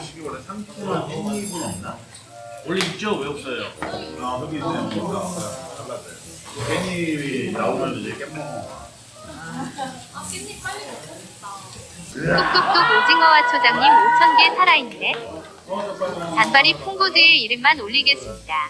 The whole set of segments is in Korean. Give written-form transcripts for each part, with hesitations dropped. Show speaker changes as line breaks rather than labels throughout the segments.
음식이 원래 상큼한 깻잎은 없나?
원래 있죠? 왜 없어요?
아 여기 있네요. 잘랐어요. 깻잎이 나오면 이제 깻 먹어.
깻잎 빨리 먹고 싶다.
뚝뚝뚝 오징어와 초장님 5,000개 살아있네. 단발이 풍고드의 이름만 올리겠습니다.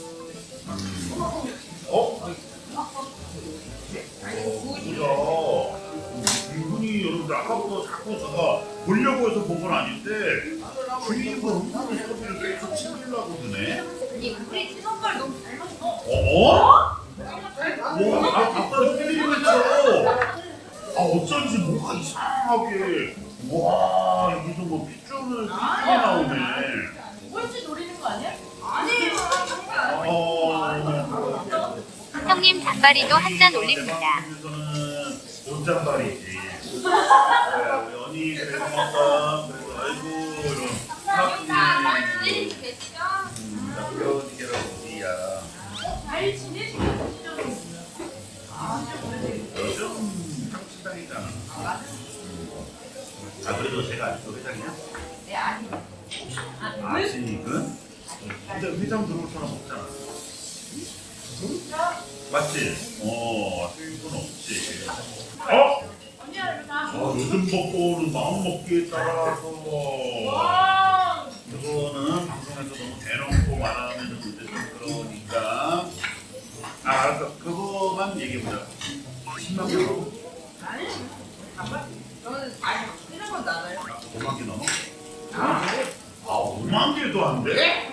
이거 이분이 여러분들 아까부터 자꾸 제가 보려고 해서 본 건 아닌데 주인분 은근히 소리를 계속 치려고 드네.
우리 친오빠를 너무 잘 맞춰.
와, 아까 필리핀 했죠. 어쩐지 뭐가 이상하게. 와, 여기서 뭐 핏줄을 삐끗이 나오네.
꼴찌 노리는 거 아니야? 아니에요.
형님 단발이도 한 잔 올립니다.
여기서는 온잔발이지. 우리 언니 그래서 먹다. 그래서 아이고 이런 사람들이 남겨지게라고 우리야.
잘 지내시는
요즘 상식당이잖아. 그래도 제가 아직도 회장이야?
네, 아니요.
아직은? 근데 회장 들어올 사람 없잖아. 맞지? 수익은 없지. 요즘 먹고는 마음 먹기에 따라서 그거는 방송에서 너무 대놓고 말하면 이제 좀 그러니까 알았어. 그거만 얘기해보자. 10만 개 넘어?
저는 이런 건 나가요.
5만 개 넘어? 5만 개도 안 돼?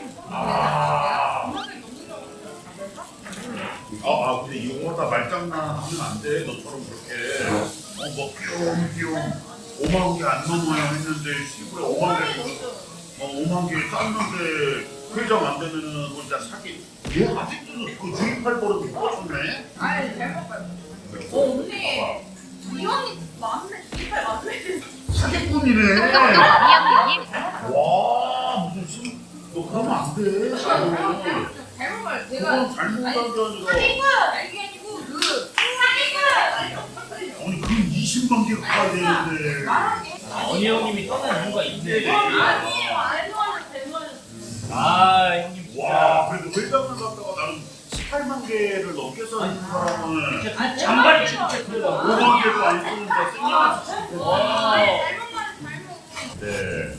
근데 이거 다 말장난 하면 안 돼. 너처럼 그렇게 뭐 귀여움 5만 개 안 넘어야 했는데 시골에 5만 개 5만 개 땄는데 회장 안 되면은 그거 진짜 사기. 얘 아직도 그 주입할 버릇 못 고쳤네?
아니, 잘 먹어요. 언니. 이 언니 맞네. 이빨 맞네.
사기꾼이네.
뚝뚝뚝 어미형님.
와 무슨 너 그러면 안 돼.
잘 먹어요. 제가.
그건 잘못한 게 아니라.
이게 아니고 사기꾼.
아니 그 20만 개 가야 되는데.
언니 형님이 떠난 이유가 있네.
아니에요. 알도하는 대머리.
형님 진짜.
와 그래도 회장을 갖다가 나는 18만 개를 넘게 써는 사람은
진짜 잔발이 진짜 크다.
5만 개도 안 쓰는데 생각할 수 있어.
와.
잘 먹는 잘 먹는.
네.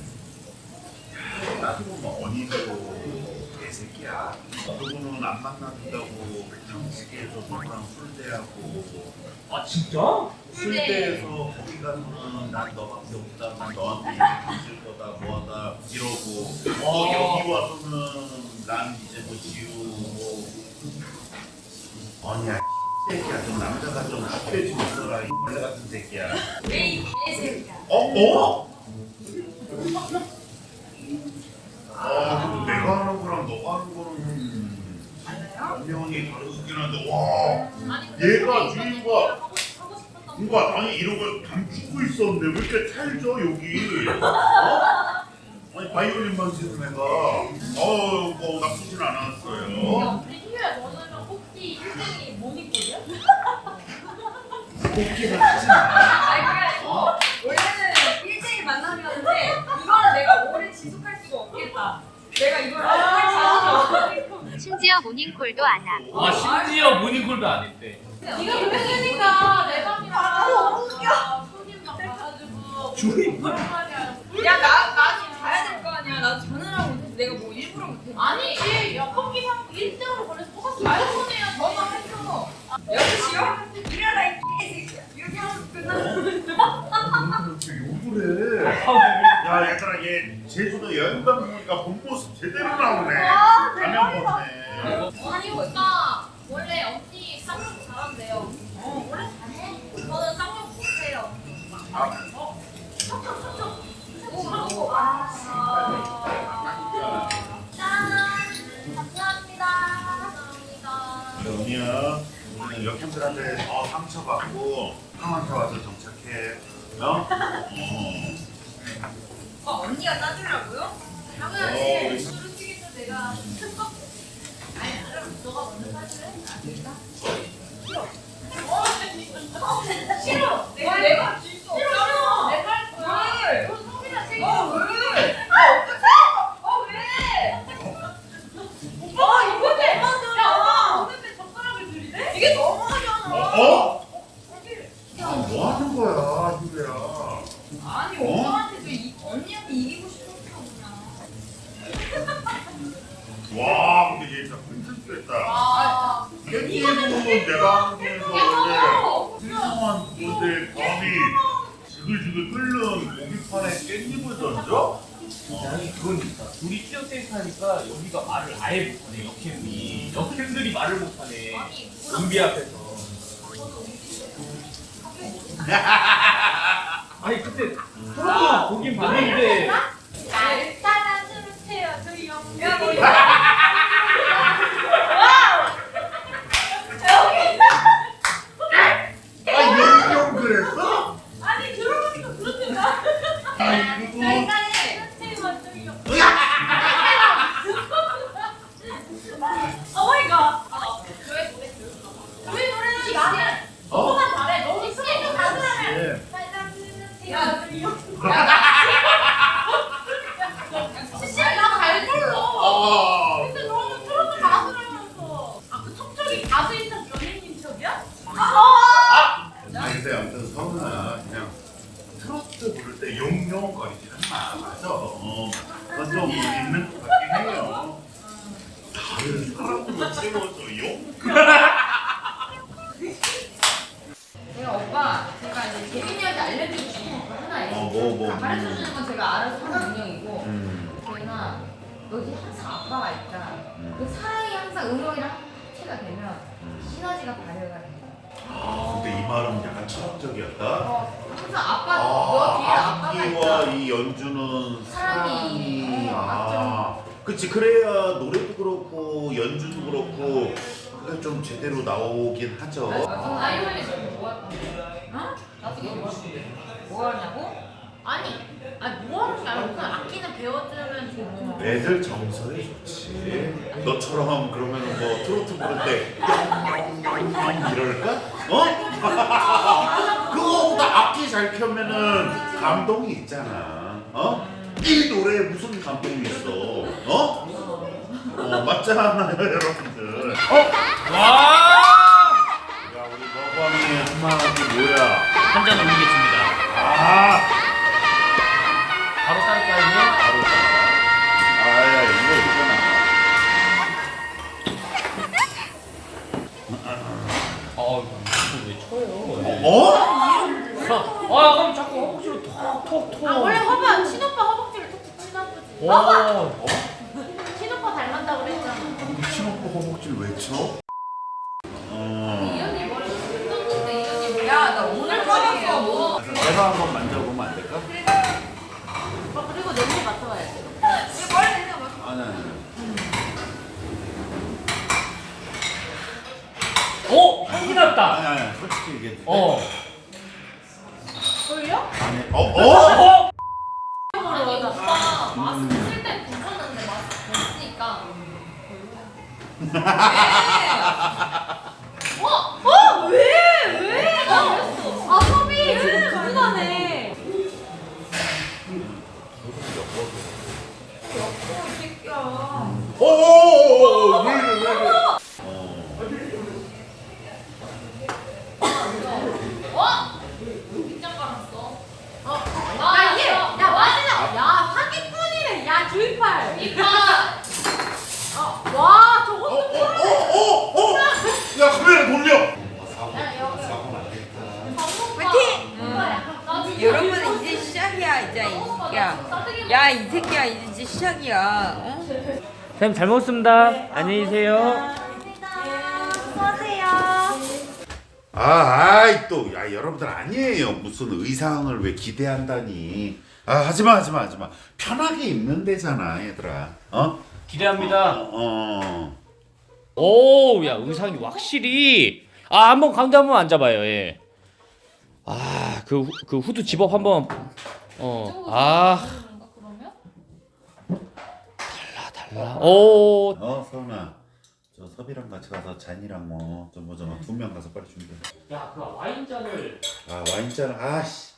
따지고 언니도 개새끼야. 그분은 안 만나준다고 백탕시계에서 너랑 술대하고.
진짜?
술대에서 거기 가서는 난 너밖에 없다. 난 너한테 있을 거다. 뭐하다 이러고. 여기 와서는 난 이제 뭐 지우고. 언니야 새끼야. 좀 남자가 좀 학교에 좀 있어라. 이 X 같은 새끼야.
왜 개새끼야?
근데 내가 하는 거랑 너가 하는 거는 분명히 다르긴 한데 와 얘가 주인과 뭔가 아니 이런 걸 감추고 있었는데 왜 이렇게 찰져 여기 아니 바이올린만 치는 애가 뭐 나쁘진 않았어요.
우리 희유야 너는 혹시 인생이 모니꼴이야?
꼭지는 하지 마.
아니 그게 아니고 원래는 1대1 만남이었는데 이거는 내가 오래 지속할 수가 없겠다. 내가 이걸 할 자신이 없어.
심지어 모닝콜도 안 함.
심지어 모닝콜도 안 했대.
네가 그렇게 되니까 내 방이랑 너무 웃겨. 손님 막 가가지고
주인
야 나는 가야 될 거 아니야. 나 전화를 못해서 내가 뭐 일부러 못해. 아니지. 야 커피 상 1등으로 보내서 똑같이 말해보내요. 전화했어. 6시요? 일어나 이 개새끼야. 이렇게 하면 끝나는
욕을 해. 야 얘들아 얘 제주도 여행 가보니까 본 모습 제대로 나오네. 가면 보네.
아니 오빠 원래 언니 쌍욕 잘한대요. 원래 잘해. 저는 쌍욕 못해요. 척척척척. 오 짠. 감사합니다. 감사합니다.
언니야 우리는 역행들한테 상처받고 형한테 와서 정착해.
언니가 따주려고요? 당연하지. 솔직히 내가 큰 거. 아니 그럼 너가 먼저 따줄래? 알겠다. 싫어. 내가 줄 수 없잖아. 내가 할 거야. 왜? 그럼 성민아 책임. 왜? 어떻게
뭐 하는 거야, 유배야?
아니 오빠한테도 언니한테 이기고 싶었어 그냥.
와, 근데 얘 진짜 끈적했다.
아,
깻잎은 내가 하면서 원래 훌륭한 건데 감히 지글지글 끓는 고기판에 깻잎을 던져?
아니 그건 있다. 둘이 티어테이크 하니까 여기가 말을 아예 못하네. 역캠들이 말을 못하네. 은비 앞에서. 아니 그때 서로 보긴 봤는데
일단은 트루트예요 저희 형. 야 뭐.
아, 영영 그랬어?
아니 들어보니까 그렇구나.
아이고.
오마이갓. 저희 노래는 나는 너무만 잘해. 너무 스케줄 가능하면. 야, 나잘 불러. 근데 너는 트로트 가수라면서. 그 척척이 가수 인턴 연예인 척이야?
근데 아무튼 성은아 그냥 트로트 부를 때 용용거리지는 마. 맞아. 그건 좀 있는 것 같긴 해요. 다른 사람으로 채워줘요?
제가 오빠 제가 이제 재민이한테 알려주고 싶은 거 하나 있어요.
뭐.
가르쳐주는 건 제가 알아서 하는 능력이고 재민아 너 이제 항상 아빠가 있다. 그 사랑이 항상 응용이랑 합체가 되면 시너지가 발효가 돼.
근데 이 말은 약간 철학적이었다.
항상 아빠 너 뒤에 아빠가
악기와
있다.
이 연주는
사랑이
그치. 그래야 노래도 그렇고 연주도 그렇고 그게 좀 제대로 나오긴 하죠.
아이언이 지금 뭐 할 건데? 어? 나중에 뭐 하냐고? 아니 뭐 하는 게 아니라 무슨 악기는 배워주면 좋고.
애들 정서에 좋지. 너처럼 그러면은 뭐 트로트 부를 때 뿅뿅뿅뿅 이럴까? 어? 그거보다 악기 잘 켜면은 감동이 있잖아. 이 노래에 무슨 감동이 있어? 맞잖아요, 여러분들.
와!
야, 우리 머구함이 한마디 뭐야?
한 잔 올리겠습니다. 바로 쌀까요?
바로 따라. 아야, 이거 있잖아.
이거 왜 쳐요? 그럼 자꾸 허벅지로 톡톡톡.
원래 허벅 친오빠 허벅지를 톡톡 치나 보지.
오.
친오빠 닮았다고 그랬잖아.
친오빠 허벅지를 왜 쳐?
이 언니 머리 뜯었는데 이 언니 야나 오늘 빠졌어 뭐.
내가 한번 만져보면 안 될까?
그리고 냄새 맡아봐야 돼. 이거 머리 냄새 맡아.
아니.
오! 향기 났다.
아니, 솔직히 얘기해.
졸려?
아니,
아니 오빠 마스크 쓸 때 붙였는데 마스크 벗으니까. 왜? 왜? 나 그랬어. 아 섭이 지금 불안해. 역겨워 이 새끼야.
왜?
밑장 깔았어. 야 이게 야 맞아. 야 사기꾼이래. 야 주의팔. 이빨. 와 저것도
야, 카메라 돌려!
여러분 이제 시작이야 이제 이 새끼야. 야 이 새끼야 이제 시작이야. 어?
선생님 잘 먹었습니다. 안녕히 계세요.
아이 또, 야, 여러분들 아니에요. 무슨 의상을 왜 기대한다니. 하지마. 편하게 입는 데잖아, 얘들아.
기대합니다. 오, 야 의상이 확실히. 한번 가운데 한번 앉아봐요. 예. 그 후드 집업 한번. 달라. 오.
서은아, 저 섭이랑 같이 가서 잔이랑 뭐 두 명 가서 빨리 준비해.
야, 그 와인잔을.
와인잔. 아씨.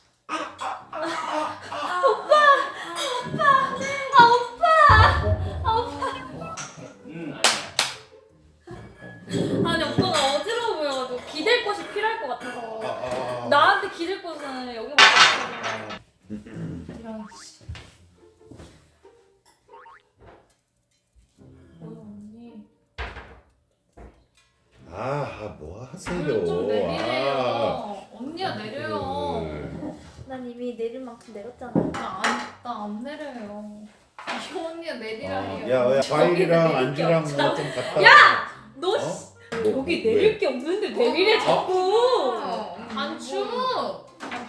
아니 오빠가 어지러워 보여가지고 기댈 곳이 필요할 것 같아서 나한테
기댈 곳은 여기밖에 없어. 이런 씨. 언니.
뭐
물
하세요?
좀 내리래요. 언니야 내려요.
난 이미 내릴 만큼 내렸잖아.
나안 내려요. 이 언니가 내리라 해요.
야, 과일이랑
내릴 게
안주랑
없잖아.
뭐좀 갖다.
야! 너
어?
씨,
뭐,
여기
왜?
내릴 게 없는데 내리래 자꾸.
안 추워.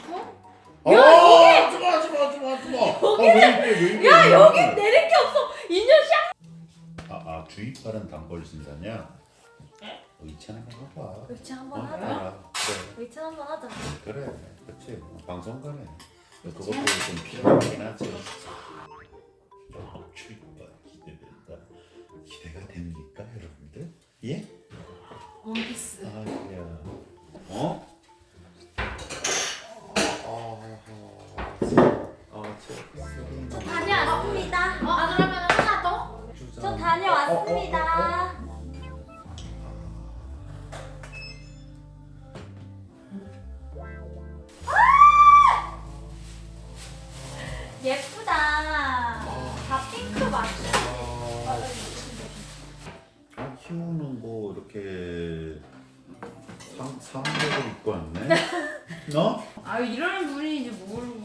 야,
여기 내릴 게 없어. 이년 씨.
주입발은 단벌 신사냐? 의찬 한번 해봐.
의찬 한번 하자.
해라.
의찬 한번 하자.
그래, 그렇지. 방송가네. 그것도 좀 필요하긴 하지. 주입발 기대된다. 기대가 됩니까, 여러분들? 예?
원피스.
야. 어?
저 다녀왔습니다.
아 그러면 하나 더?
저 다녀왔습니다. 예쁘다. 다 핑크 맞죠?
희우는 뭐 이렇게 상복을 입고 왔네? 너?
아유 이런 분인지 모르고